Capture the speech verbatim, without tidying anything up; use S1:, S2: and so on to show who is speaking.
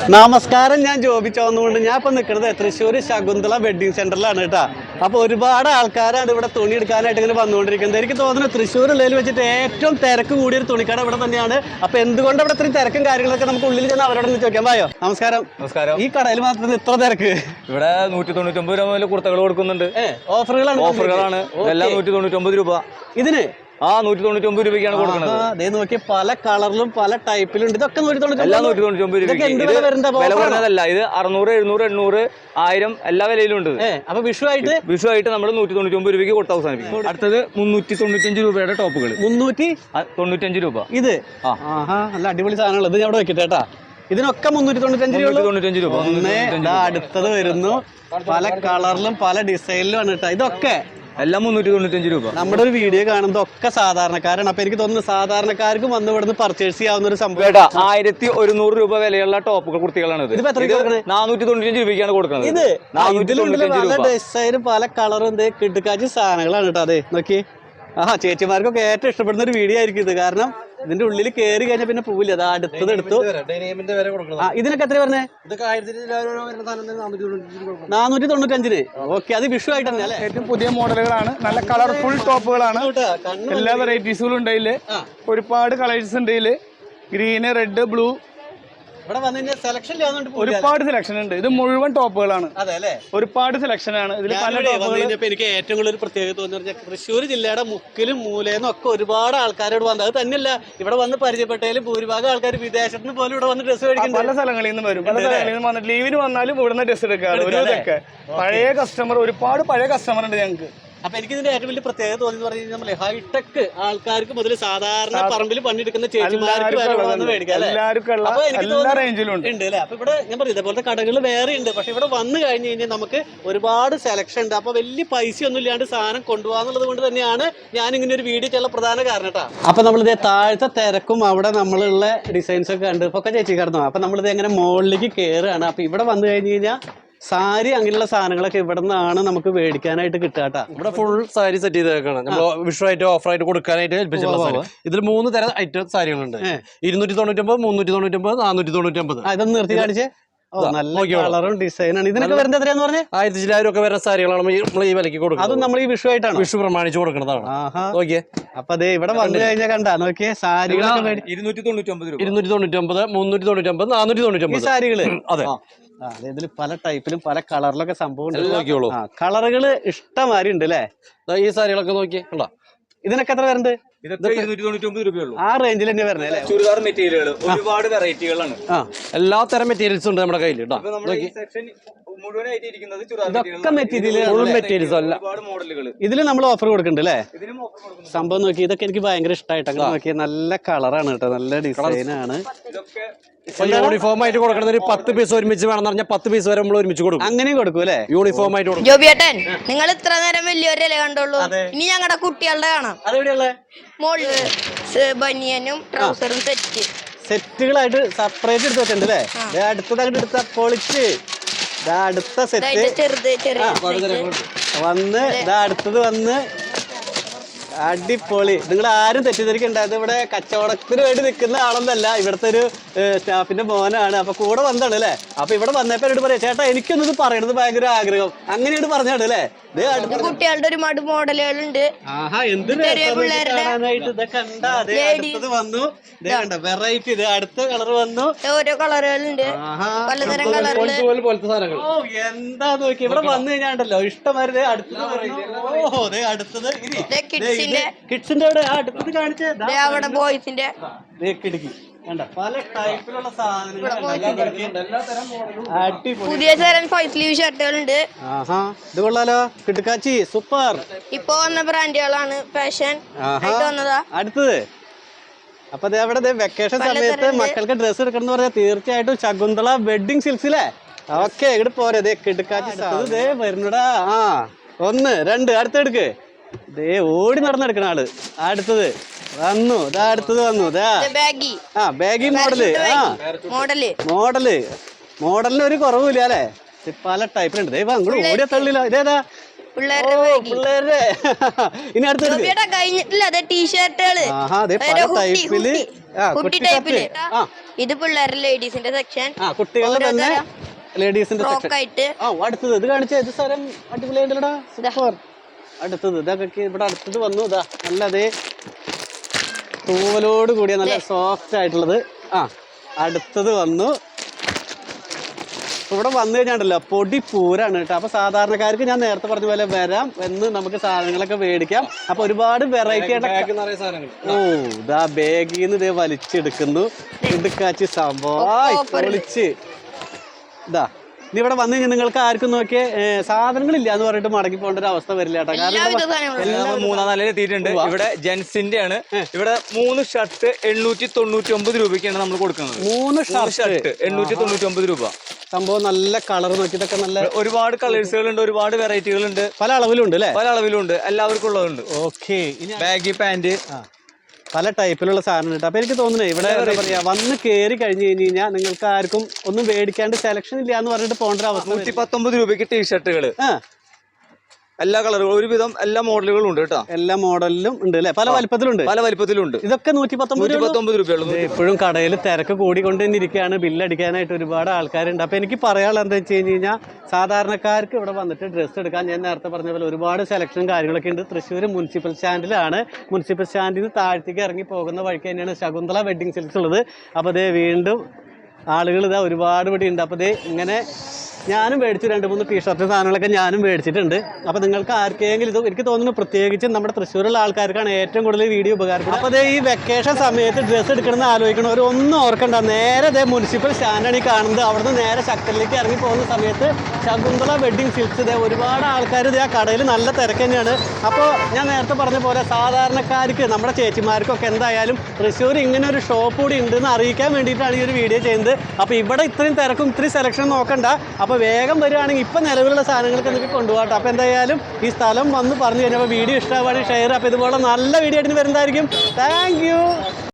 S1: നമസ്കാരം, ഞാൻ ജോബി ചോന്നുകൊണ്ട് ഞാൻ ഇപ്പൊ നിൽക്കുന്നത് തൃശ്ശൂർ ശകുന്തള വെഡിങ് സെന്ററിലാണ് കേട്ടോ. അപ്പൊ ഒരുപാട് ആൾക്കാരാണ് ഇവിടെ തുണി എടുക്കാനായിട്ട് ഇങ്ങനെ വന്നുകൊണ്ടിരിക്കുന്നത്. എനിക്ക് തോന്നുന്നു തൃശ്ശൂർ ഉള്ളതിൽ വെച്ചിട്ട് ഏറ്റവും തിരക്ക് കൂടിയൊരു തുണിക്കട ഇവിടെ തന്നെയാണ്. അപ്പൊ എന്തുകൊണ്ട് ഇവിടെ ഇത്രയും തിരക്കും കാര്യങ്ങളൊക്കെ നമുക്ക് ഉള്ളിൽ ചെന്ന് അവരോട് ചോദിക്കാൻ പായോ? നമസ്കാരം.
S2: നമസ്കാരം.
S1: ഈ കടയിൽ മാത്രം ഇത്ര തിരക്ക്?
S2: ഇവിടെ നൂറ്റി തൊണ്ണൂറ്റി ഒമ്പത് രൂപ മുതൽ കുർത്തകൾ കൊടുക്കുന്നുണ്ട്.
S1: ഓഫറുകളാണ്
S2: ഓഫറുകളാണ് എല്ലാം നൂറ്റി തൊണ്ണൂറ്റി ഒമ്പത് രൂപ
S1: ഇതിന്.
S2: ആ നൂറ്റി തൊണ്ണൂറ്റി ഒമ്പത് രൂപയ്ക്കാണ് കൊടുക്കുന്നത്.
S1: അതേ നോക്കി പല കളറിലും പല ടൈപ്പിലും ഉണ്ട്. ഇതൊക്കെ നൂറ്റി തൊണ്ണൂറ്റി
S2: എല്ലാം നൂറ്റി തൊണ്ണൂറ്റി ഒമ്പത് രൂപ. വില കുറഞ്ഞതല്ല, ഇത് അറുന്നൂറ് എഴുന്നൂറ് എണ്ണൂറ് ആയിരം എല്ലാ വിലയിലും ഉണ്ട്.
S1: അപ്പൊ വിഷു ആയിട്ട്
S2: വിഷു ആയിട്ട് നമ്മൾ നൂറ്റി തൊണ്ണൂറ്റി ഒമ്പത് രൂപയ്ക്ക് കൊടുത്ത് അവസാനിപ്പിക്കും. അടുത്തത് മുന്നൂറ്റി തൊണ്ണൂറ്റഞ്ച് രൂപയുടെ ടോപ്പുകൾ.
S1: മുന്നൂറ്റി
S2: തൊണ്ണൂറ്റഞ്ച് രൂപ
S1: ഇത്. ആഹാ, നല്ല അടിപൊളി സാധനങ്ങൾ. ഇത് ഞാൻ അവിടെ വെക്കട്ടെ കേട്ടാ. ഇതിനൊക്കെ മുന്നൂറ്റി തൊണ്ണൂറ്റഞ്ച് രൂപ.
S2: തൊണ്ണൂറ്റഞ്ച് രൂപ.
S1: അടുത്തത് വരുന്നു പല കളറിലും പല ഡിസൈനിലും ആണ് കേട്ടോ. ഇതൊക്കെ
S2: എല്ലാം മുന്നൂറ്റി തൊണ്ണൂറ്റഞ്ച് രൂപ.
S1: നമ്മുടെ ഒരു വീഡിയോ കാണുന്നത് ഒക്കെ സാധാരണക്കാരാണ്. അപ്പൊ എനിക്ക് തോന്നുന്നു സാധാരണക്കാർക്കും വന്ന് ഇവിടുന്ന് പർച്ചേസ് ചെയ്യാവുന്ന ഒരു സംഭവം.
S2: ആയിരത്തി ഒരുന്നൂറ് രൂപ വിലയുള്ള ടോപ്പുകൾ കുർത്തികളാണ്. നാനൂറ്റി തൊണ്ണൂറ്റഞ്ച് രൂപയ്ക്കാണ് കൊടുക്കുന്നത്.
S1: ഇത് പല ഡിസൈനും പല കളറും എന്ത് കിടക്കാച്ച സാധനങ്ങളാണ് കേട്ടോ. അതെ നോക്കി. ആ ചേച്ചിമാർക്കൊക്കെ ഏറ്റവും ഇഷ്ടപ്പെടുന്ന ഒരു വീഡിയോ ആയിരിക്കും ഇത്. കാരണം ഇതിന്റെ ഉള്ളിൽ കയറി കഴിഞ്ഞാൽ പിന്നെ പോവില്ല. അത് അടുത്തത് എടുത്തു. ഇതിനൊക്കെ എത്ര പറഞ്ഞേ? നാനൂറ്റി തൊണ്ണൂറ്റഞ്ചിന്. ഓക്കെ, അത് വിഷു ആയിട്ട് തന്നെ അല്ലേ?
S3: ഏറ്റവും പുതിയ മോഡലുകളാണ്, നല്ല കളർഫുൾ ടോപ്പുകളാണ്. എല്ലാ വെറൈറ്റീസുകളും ഉണ്ട്. ഇതില് ഒരുപാട് കളേഴ്സ് ഉണ്ട്. ഇതില് ഗ്രീന്, റെഡ്, ബ്ലൂ,
S1: ഇവിടെ വന്നു കഴിഞ്ഞാൽ സെലക്ഷൻ
S3: ഒരുപാട് സെലക്ഷൻ ഉണ്ട്. ഇത് മുഴുവൻ ടോപ്പുകളാണ്.
S1: അതെ അല്ലേ?
S3: ഒരുപാട് സെലക്ഷൻ ആണ് ഇതിൽ. പല
S1: ടോപ്പുകൾ. എനിക്ക് ഏറ്റവും കൂടുതൽ പ്രത്യേകത തോന്നി പറഞ്ഞാൽ തൃശ്ശൂർ ജില്ലയുടെ മുക്കിലും മൂലയിലും ഒക്കെ ഒരുപാട് ആൾക്കാരോട് വന്നത്. അത് തന്നെയല്ല, ഇവിടെ വന്ന് പരിചയപ്പെട്ടതിലും ഭൂരിഭാഗം ആൾക്കാർ വിദേശത്ത് നിന്ന് പോലും ഇവിടെ വന്ന് ഡ്രസ്സ് മേടിക്കും.
S3: പല സ്ഥലങ്ങളിൽ നിന്ന് വരും. പല സ്ഥലങ്ങളിൽ നിന്ന് വന്നിട്ട് ലീവിന് വന്നാലും ഇവിടുന്ന് ഡ്രസ്സ് എടുക്കാറ്. ഒരു ഇതൊക്കെ പഴയ കസ്റ്റമർ, ഒരുപാട് പഴയ കസ്റ്റമർ ഉണ്ട് ഞങ്ങൾക്ക്.
S1: അപ്പൊ എനിക്ക് ഇതിന്റെ ഏറ്റവും വലിയ പ്രത്യേകത തോന്നി പറഞ്ഞു കഴിഞ്ഞാൽ നമ്മളെ ഹൈടെക് ആൾക്കാർക്ക് മുതൽ സാധാരണ പറമ്പിൽ പണിയെടുക്കുന്ന ചേച്ചിമാർക്ക് വരെ വന്ന് മേടിക്കാം അല്ലേ? ഉണ്ട് അല്ലേ? അപ്പൊ ഇവിടെ ഞാൻ പറഞ്ഞു ഇതേപോലത്തെ കടകൾ വേറെ ഉണ്ട്. പക്ഷെ ഇവിടെ വന്നു കഴിഞ്ഞ് കഴിഞ്ഞാൽ നമുക്ക് ഒരുപാട് സെലക്ഷൻ ഉണ്ട്. അപ്പൊ വലിയ പൈസ ഒന്നും ഇല്ലാണ്ട് സാധനം കൊണ്ടുപോകാന്നുള്ളത് കൊണ്ട് തന്നെയാണ് ഞാൻ ഇങ്ങനെ ഒരു വീഡിയോ ചെയ്യാനുള്ള പ്രധാന കാരണം കേട്ടോ. അപ്പൊ നമ്മളിത് താഴത്തെ തിരക്കും അവിടെ നമ്മളുള്ള ഡിസൈൻസ് ഒക്കെ ഉണ്ട്. ഇപ്പൊ ഒക്കെ ചേച്ചി കിടന്നു. അപ്പൊ നമ്മളിത് എങ്ങനെ മുകളിലേക്ക് കയറുകയാണ്. അപ്പൊ ഇവിടെ വന്നു കഴിഞ്ഞ് കഴിഞ്ഞാൽ സാരി അങ്ങനെയുള്ള സാധനങ്ങളൊക്കെ ഇവിടെ നിന്നാണ് നമുക്ക് മേടിക്കാനായിട്ട് കിട്ടാട്ടാ.
S4: ഇവിടെ ഫുൾ സാരി സെറ്റ് ചെയ്തേക്കാണ്. നമ്മൾ വിഷു ആയിട്ട് ഓഫർ ആയിട്ട് കൊടുക്കാനായിട്ട് ഏൽപ്പിച്ചിട്ടുള്ള സാരി. ഇതിൽ മൂന്ന് തരം ഐറ്റം സാരികളുണ്ട്. ഇരുന്നൂറ്റി തൊണ്ണൂറ്റൊമ്പത്, മുന്നൂറ്റി തൊണ്ണൂറ്റൊമ്പത്, നാനൂറ്റി തൊണ്ണൂറ്റൊമ്പത്.
S1: ഇതൊന്ന് നിർത്തി കാണിച്ചേ. നല്ല കളറും ഡിസൈനാണ്. ഇതിനൊക്കെ വരുന്നത് എത്രയാന്ന് പറഞ്ഞേ?
S4: ആയിരത്തി ചില്ലായിരം ഒക്കെ വരുന്ന സാരികളാണ് നമ്മൾ ഈ വിലക്ക് കൊടുക്കുന്നത്.
S1: അതും നമ്മൾ ഈ വിഷു ആയിട്ടാണ്
S4: വിഷു പ്രമാണിച്ച് കൊടുക്കുന്നതാണ്.
S1: നോക്കിയേ. അപ്പൊ അതെ ഇവിടെ വന്നു കഴിഞ്ഞാൽ കണ്ടാ നോക്കിയേ സാരികളൊക്കെ
S2: ഇരുന്നൂറ്റി തൊണ്ണൂറ്റി ഒമ്പത് രൂപ.
S4: ഇരുന്നൂറ്റി തൊണ്ണൂറ്റി ഒമ്പത്, മുന്നൂറ്റി തൊണ്ണൂറ്റി ഒമ്പത്, നാനൂറ്റി തൊണ്ണൂറ്റി ഒമ്പത്
S1: സാരികള്.
S4: അതെ,
S1: ഇതിൽ പല ടൈപ്പിലും പല കളറിലൊക്കെ സംഭവം നോക്കിയോളൂ. കളറുകള് ഇഷ്ടമാരി ഉണ്ട് അല്ലേ?
S4: ഈ സാരികളൊക്കെ നോക്കിയേ കണ്ടോ.
S1: ഇതിനൊക്കെ എത്ര വരുന്നുണ്ട്? ആ റേഞ്ചിൽ തന്നെ വരണേ അല്ലേ?
S2: ചുരിദാർ മെറ്റീരിയലുകൾ ഒരുപാട് വെറൈറ്റികളാണ്.
S4: എല്ലാ തരം മെറ്റീരിയൽസ് ഉണ്ട് നമ്മുടെ കയ്യിൽ കേട്ടോ.
S1: ഇതൊക്കെ മെറ്റീരിയൽസ് അല്ല,
S2: മോഡലുകൾ.
S1: ഇതില് നമ്മൾ ഓഫർ കൊടുക്കുന്നുണ്ട് അല്ലേ? സംഭവം നോക്കി. ഇതൊക്കെ എനിക്ക് ഭയങ്കര ഇഷ്ടമായിട്ട് അങ്ങനെ നോക്കിയാൽ നല്ല കളറാണ് കേട്ടോ, നല്ല ഡിസൈനാണ്.
S4: യൂണിഫോം ആയിട്ട് കൊടുക്കണത് ഒരു പത്ത് പീസ് ഒരുമിച്ച് വേണമെന്ന് പറഞ്ഞാൽ പത്ത് പീസ് വരെ നമ്മൾ ഒരുമിച്ച് കൊടുക്കും.
S1: അങ്ങനെയും കൊടുക്കും അല്ലേ?
S4: യൂണിഫോം ആയിട്ട് കൊടുക്കും.
S5: ജോബിയേട്ടൻ, നിങ്ങൾ ഇത്ര നേരം വലിയൊരല്ലേ കണ്ടോളൂ, ഇനി ഞങ്ങളുടെ കുട്ടികളുടെ കാണാം.
S1: അതെവിടെയുള്ള
S5: മോളില് ബനിയനും ട്രൗസറും സെറ്റ്
S1: സെറ്റുകളായിട്ട് സെപ്പറേറ്റ് എടുത്ത് വെച്ചിട്ടുണ്ട് അല്ലേ? അടുത്തത് അങ്ങോട്ട് എടുത്ത പൊളിച്ച് അടുത്ത സെറ്റ്
S5: ചെറുത് ചെറിയ
S1: വന്ന് ഇതാ അടുത്തത് വന്ന് അടിപൊളി. നിങ്ങൾ ആരും തെറ്റിദ്ധരിക്കണ്ടായത് ഇവിടെ കച്ചവടത്തിന് വേണ്ടി നിൽക്കുന്ന ആളൊന്നല്ല, ഇവിടുത്തെ ഒരു സ്റ്റാഫിന്റെ മോനാണ്. അപ്പൊ കൂടെ വന്നാണ് അല്ലേ? അപ്പൊ ഇവിടെ വന്നപ്പോ എന്നോട് പറയാം, ചേട്ടാ എനിക്കൊന്നും ഇത് പറയണത് ഭയങ്കര ആഗ്രഹം, അങ്ങനെയാണ് പറഞ്ഞാണ് അല്ലേ?
S5: കുട്ടികളുടെ ഒരുപാട് മോഡലുകളുണ്ട്.
S1: ആഹാ, എന്ത് കാണാനായിട്ട് ഇതൊക്കെ ഉണ്ടാ. അതെ, അടുത്തത് വന്നു. വെറൈറ്റി. ഇത് അടുത്ത കളർ വന്നു.
S5: ഓരോ കളറുകളുണ്ട്, പലതരം കളറുകൾ.
S1: ഓ എന്താ നോക്കി. ഇവിടെ വന്നു കഴിഞ്ഞാണ്ടല്ലോ ഇഷ്ടമാര്. അടുത്തത് ഓഹോ ദേ അടുത്തത് കിഡ്സിന്റെ അവിടെ അടുത്തത് കാണിച്ചത്
S5: അവിടെ ബോയ്സിന്റെ
S1: കിടക്കി കണ്ട പല ടൈപ്പിലുള്ള സാധനങ്ങൾ.
S5: പുതിയ തരം ഫൈവ് സ്ലീവ് ഷർട്ടുകളുണ്ട്.
S1: ആഹാ, ഇത് കൊള്ളാലോ. കിടക്കാച്ചി സൂപ്പർ.
S5: ഇപ്പൊ വന്ന ബ്രാൻഡുകളാണ്, ഫാഷൻ വന്നതാ.
S1: അടുത്തത് അപ്പൊ അവിടെ വെക്കേഷൻ സമയത്ത് മക്കൾക്ക് ഡ്രസ്സ് എടുക്കണം എന്ന് പറഞ്ഞാൽ തീർച്ചയായിട്ടും ശകുന്തള വെഡിങ് സിൽക്സിലെ. ഓക്കെ, ഇവിടെ പോരെ. ദേ കിടക്കാച്ചി ദേ വരുന്നടാ. ആ ഒന്ന് രണ്ട് അടുത്തെടുക്ക്. ദേ ഓടി നടന്നെടുക്കണ ആള്. അടുത്തത് വന്നു. ഇതാ അടുത്തത് വന്നു. ആ ബാഗി മോഡല്. ആ
S5: മോഡല്
S1: മോഡല് മോഡലിന് ഒരു കുറവില്ല അല്ലേ? പല ടൈപ്പിലുണ്ട്. ദൈവം അങ്ങോട്ട് ഓടിയ തള്ളില്ല. ഇതേതാ
S5: പിള്ളേരുടെ ബാഗ്
S1: പിള്ളേരുടെ ഇനി അടുത്തത്
S5: ജോബിയുടെ കഴിഞ്ഞിട്ടില്ല അതെ ടീഷർട്ടുകള്
S1: ആഹാ അതെ പല ടൈപ്പില്
S5: കുട്ടി ടൈപ്പില് ഇത് പിള്ളേരുടെ ലേഡീസിന്റെ സെക്ഷൻ
S1: ആ കുട്ടികളുടെ തന്നെ ലേഡീസിന്റെ
S5: ഫ്രോക്ക് ആയിട്ട്
S1: ആ അടുത്തത് ഇത് കാണിച്ച ഇത് സ്ഥലം അടിപൊളിയായിട്ടല്ലടാ സൂപ്പർ അടുത്തത് ഇതൊക്കെ ഇവിടെ അടുത്തത് വന്നു ഇതാ നല്ല അതേ തൂവലോട് കൂടിയ നല്ല സോഫ്റ്റ് ആയിട്ടുള്ളത് ആ അടുത്തത് വന്നു ഇവിടെ വന്നു കഴിഞ്ഞാണ്ടല്ലോ പൊടി പൂരാണ് കേട്ടോ. അപ്പൊ സാധാരണക്കാർക്ക് ഞാൻ നേരത്തെ പറഞ്ഞ പോലെ വരാം എന്ന് നമുക്ക് സാധനങ്ങളൊക്കെ മേടിക്കാം. അപ്പൊ ഒരുപാട് വെറൈറ്റി ആയിട്ട് ഓ ഇതാ ബാഗിന്ന് ഇതേ വലിച്ചെടുക്കുന്നു ഇടുക്കാച്ചി സംഭവം പൊളിച്ച് ഇതാ ഇനി ഇവിടെ വന്നു കഴിഞ്ഞാൽ നിങ്ങൾക്ക് ആർക്കും നോക്കിയേ സാധനങ്ങളില്ല എന്ന് പറഞ്ഞിട്ട് മടങ്ങി പോകേണ്ട ഒരു അവസ്ഥ വരില്ല കേട്ടോ. കാരണം
S2: മൂന്നാം നിലയിൽ എത്തിയിട്ടുണ്ട്. ഇവിടെ ജെൻസിന്റെ ആണ്. ഇവിടെ മൂന്ന് ഷർട്ട് എണ്ണൂറ്റി തൊണ്ണൂറ്റി ഒമ്പത് രൂപയ്ക്കാണ് നമ്മൾ കൊടുക്കുന്നത്.
S1: മൂന്ന്
S2: ഷർട്ട് എണ്ണൂറ്റി തൊണ്ണൂറ്റി ഒമ്പത് രൂപ.
S1: സംഭവം നല്ല കളർ നോക്കിയിട്ടൊക്കെ നല്ല
S2: ഒരുപാട് കളേഴ്സുകളുണ്ട്, ഒരുപാട് വെറൈറ്റികളുണ്ട്,
S1: പല അളവിലുണ്ട് അല്ലേ?
S2: പല അളവിലുണ്ട്, എല്ലാവർക്കും ഉള്ളതുണ്ട്.
S1: ഓക്കെ
S2: ബാഗി പാന്റ്
S1: പല ടൈപ്പിലുള്ള സാധനം കിട്ടും. അപ്പൊ എനിക്ക് തോന്നുന്നത് ഇവിടെ എന്താ പറയാ വന്ന് കയറി കഴിഞ്ഞ് കഴിഞ്ഞ് കഴിഞ്ഞാൽ നിങ്ങൾക്ക് ആർക്കും ഒന്നും മേടിക്കാണ്ട് സെലക്ഷൻ ഇല്ല എന്ന് പറഞ്ഞിട്ട് പോകേണ്ട ഒരു അവസ്ഥ.
S2: നൂറ്റി പത്തൊമ്പത് രൂപയ്ക്ക് ടീഷർട്ടുകള് എല്ലാ കളറുകളും ഒരുവിധം എല്ലാ മോഡലുകളും ഉണ്ട് കേട്ടോ.
S1: എല്ലാ മോഡലിലും ഉണ്ട് അല്ലെ? പല വലിപ്പത്തിലുണ്ട്,
S2: പല വലിപ്പത്തിലുണ്ട്.
S1: ഇതൊക്കെ നൂറ്റി പത്തൊമ്പത്
S2: പത്തൊമ്പത് രൂപയുള്ളൂ.
S1: എപ്പോഴും കടയിൽ തിരക്ക് കൂടിക്കൊണ്ട് തന്നെ ഇരിക്കുകയാണ്. ബില്ലടിക്കാനായിട്ട് ഒരുപാട് ആൾക്കാരുണ്ട്. അപ്പൊ എനിക്ക് പറയാനുള്ളത് എന്താ വെച്ച് കഴിഞ്ഞ് കഴിഞ്ഞാൽ സാധാരണക്കാർക്ക് ഇവിടെ വന്നിട്ട് ഡ്രസ്സ് എടുക്കാൻ ഞാൻ നേരത്തെ പറഞ്ഞ പോലെ ഒരുപാട് സെലക്ഷൻ കാര്യങ്ങളൊക്കെ ഉണ്ട്. തൃശ്ശൂർ മുനിസിപ്പൽ സ്റ്റാൻഡിലാണ്. മുനിസിപ്പൽ സ്റ്റാൻഡിൽ നിന്ന് താഴത്തേക്ക് ഇറങ്ങി പോകുന്ന വഴിക്ക് തന്നെയാണ് ശകുന്തള വെഡ്ഡിങ് സിൽക്സ് ഉള്ളത്. അപ്പോൾ അതേ വീണ്ടും ആളുകൾ ഇതാ ഒരുപാട് ഇവിടെ ഉണ്ട്. അപ്പോൾ അതേ ഇങ്ങനെ ഞാനും മേടിച്ചു രണ്ട് മൂന്ന് ടീഷർട്ട് സാധനങ്ങളൊക്കെ ഞാനും മേടിച്ചിട്ടുണ്ട്. അപ്പോൾ നിങ്ങൾക്ക് ആർക്കെങ്കിലും ഇത് എനിക്ക് തോന്നുന്നു പ്രത്യേകിച്ച് നമ്മുടെ തൃശ്ശൂരുള്ള ആൾക്കാർക്കാണ് ഏറ്റവും കൂടുതൽ വീഡിയോ ഉപകാരപ്പെടുന്നത്. അപ്പോൾ അതേ ഈ വെക്കേഷൻ സമയത്ത് ഡ്രസ്സ് എടുക്കണമെന്ന് ആലോചിക്കണവർ ഒന്നും ഓർക്കണ്ട. നേരെ അതേ മുനിസിപ്പൽ സ്റ്റാൻഡാണ് ഈ കാണുന്നത്. അവിടുന്ന് നേരെ ശക്തനിലേക്ക് ഇറങ്ങി പോകുന്ന സമയത്ത് ശകുന്തള വെഡ്ഡിങ് സിൽക്സ് ഇതേ ഒരുപാട് ആൾക്കാർ ഇതേ ആ കടയിൽ നല്ല തിരക്ക് തന്നെയാണ്. അപ്പോൾ ഞാൻ നേരത്തെ പറഞ്ഞ പോലെ സാധാരണക്കാർക്ക് നമ്മുടെ ചേച്ചിമാർക്കൊക്കെ എന്തായാലും തൃശ്ശൂർ ഇങ്ങനെ ഒരു ഷോപ്പ് കൂടി ഉണ്ടെന്ന് അറിയിക്കാൻ വേണ്ടിയിട്ടാണ് ഈ ഒരു വീഡിയോ ചെയ്യുന്നത്. അപ്പോൾ ഇവിടെ ഇത്രയും തിരക്കും ഇത്രയും സെലക്ഷൻ നോക്കണ്ട. അപ്പോൾ വേഗം വരികയാണെങ്കിൽ ഇപ്പം നിലവിലുള്ള സാധനങ്ങൾക്ക് നിങ്ങൾക്ക് കൊണ്ടുപോകട്ടെ. അപ്പോൾ എന്തായാലും ഈ സ്ഥലം വന്ന് പറഞ്ഞു കഴിഞ്ഞപ്പോൾ വീഡിയോ ഇഷ്ടമാവുകയാണെങ്കിൽ ഷെയർ. അപ്പോൾ ഇതുപോലെ നല്ല വീഡിയോ ആയിട്ട് വരുന്നതായിരിക്കും. Thank U.